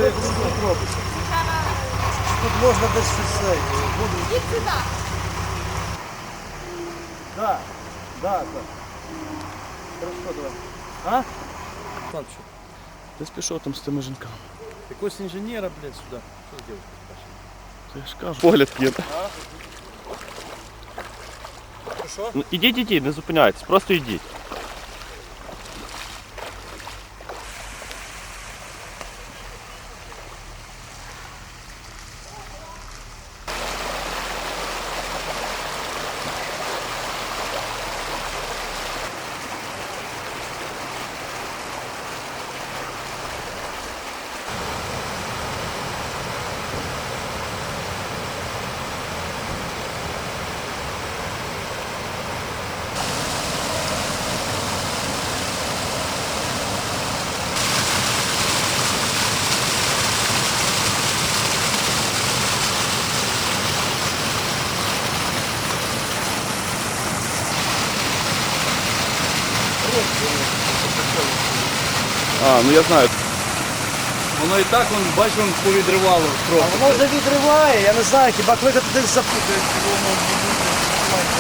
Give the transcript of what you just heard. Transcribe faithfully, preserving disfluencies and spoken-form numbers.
як воно тут робиться. Тут можна десь щось цей. Їдь сюди. Да, да, так. Хорошо, давай. А? Там що? Десь пішов там з тими жінками. Якогось інженера, блядь, сюди. Що з дівчинкою бачиш? Я ж кажу. Погляд є. Що? Ну, ідіть, ідіть, не зупиняйтесь, просто йдіть. А, ну я знаю. Воно і так, вон, бач, вон повідривало трохи. А воно вже відриває, я не знаю, хіба кликати десь запутають.